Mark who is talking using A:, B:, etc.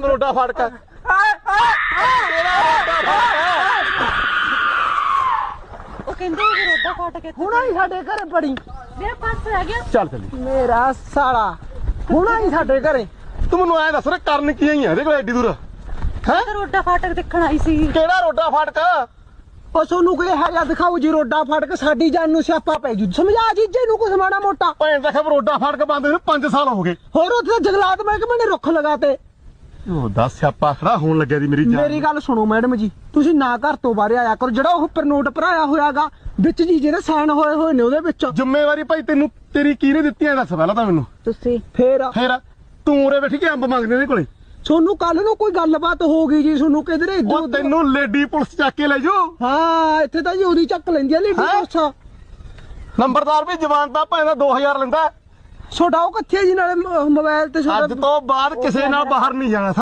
A: ਰੋਡਾ ਫਾਟਕ ਹੈ ਤੇਰਾ ਰੋਡਾ ਫਾਟਕ ਹੈ
B: ਉਹ ਕਹਿੰਦੇ ਰੋਡਾ ਫਾਟ ਕੇ
C: ਹੁਣਾ ਹੀ ਸਾਡੇ ਘਰੇ ਪੜੀ
B: ਮੇਰਾ ਪਰਸ ਰਹਿ ਗਿਆ
A: ਚੱਲ ਚੱਲੀ
C: ਮੇਰਾ ਸਾਲਾ ਹੁਣਾ ਹੀ ਸਾਡੇ ਘਰੇ
A: ਤੂੰ ਮੈਨੂੰ ਐ ਦੱਸ ਰੇ ਕਰਨ ਕੀ ਆਈ ਆ ਇਹਦੇ ਕੋਲ ਐਡੀ ਦੂਰ ਹੈ
B: ਤਾਂ ਰੋਡਾ ਫਾਟਕ ਦੇਖਣ ਆਈ ਸੀ
A: ਕਿਹੜਾ ਰੋਡਾ ਫਾਟਕ
C: ਉਹ ਸੋਨੂੰ ਕੋਈ ਹੈ ਜਾਂ ਦਿਖਾਓ ਜੀ ਰੋਡਾ ਫਾਟਕ ਸਾਡੀ ਜਾਨ ਨੂੰ ਸਿਆਪਾ ਪੈ ਜੂ ਸਮਝਾ ਜੀਜੇ ਨੂੰ ਕੁਛ ਮਾੜਾ ਮੋਟਾ
A: ਭੈਣ ਦਾ ਖਬਰ ਰੋਡਾ ਫਾਟਕ ਬੰਦ ਹੋਏ 5 ਸਾਲ ਹੋ ਗਏ
C: ਹੋਰ ਉੱਥੇ ਜੰਗਲਾਤ ਮਹਿਕਮੇ ਨੇ ਰੁੱਖ ਲਗਾਤੇ
A: ਉਹ ਦੱਸ ਸਿਆਪਾ ਖੜਾ ਹੋਣ ਲੱਗਿਆ ਦੀ ਮੇਰੀ ਜਾਨ
C: ਮੇਰੀ ਗੱਲ ਸੁਣੋ ਮੈਡਮ ਜੀ ਤੁਸੀਂ ਨਾ ਘਰ ਤੋਂ ਬਾਹਰ ਆਇਆ ਕਰੋ ਜਿਹੜਾ ਉਹ ਉੱਪਰ ਨੋਟ ਭਰਾਇਆ ਹੋਇਆਗਾ ਵਿੱਚ ਜੀ ਜਿਹੜੇ ਸਾਈਨ ਹੋਏ ਨੇ ਉਹਦੇ ਵਿੱਚ
A: ਜ਼ਿੰਮੇਵਾਰੀ ਭਾਈ ਤੈਨੂੰ ਤੇਰੀ ਕਿਹਨੇ ਦਿੱਤੀ ਐ ਦੱਸ ਪਹਿਲਾਂ ਤਾਂ ਮੈਨੂੰ
B: ਤੁਸੀਂ
C: ਫੇਰ
A: ਤੂੰ ਉਰੇ ਬੈਠੀ ਕਿ ਅੰਬ ਮੰਗਦੇ ਨੇ ਕੋਲੇ
C: ਸੋਨੂੰ ਕੱਲ ਨੂੰ ਕੋਈ ਗੱਲਬਾਤ ਹੋ ਗਈ ਜੀ ਸੋਨੂੰ ਕਿਧਰੇ
A: ਉਹ ਤੈਨੂੰ ਲੇਡੀ ਪੁਲਿਸ ਚੱਕ ਕੇ ਲੈ ਜਾਓ
C: ਹਾਂ ਇੱਥੇ ਤਾਂ ਜੀ ਉਹਦੀ ਚੱਕ ਲੈਂਦੀ ਆ ਲੀਡੀ
A: ਹੈਂ?
C: ਪੁਲਿਸ
A: ਨੰਬਰਦਾਰ ਵੀ ਜਵਾਨ ਦਾ ਭਾਵੇਂ ਦਾ 2000 ਲੈਂਦਾ
C: ਛੋਟਾ ਉਹ ਕਿੱਥੇ ਜੀ ਨਾਲੇ ਮੋਬਾਈਲ ਤੇ
A: ਅੱਜ ਤੋਂ ਬਾਅਦ ਕਿਸੇ ਨਾਲ ਬਾਹਰ ਨਹੀਂ ਜਾਣਾ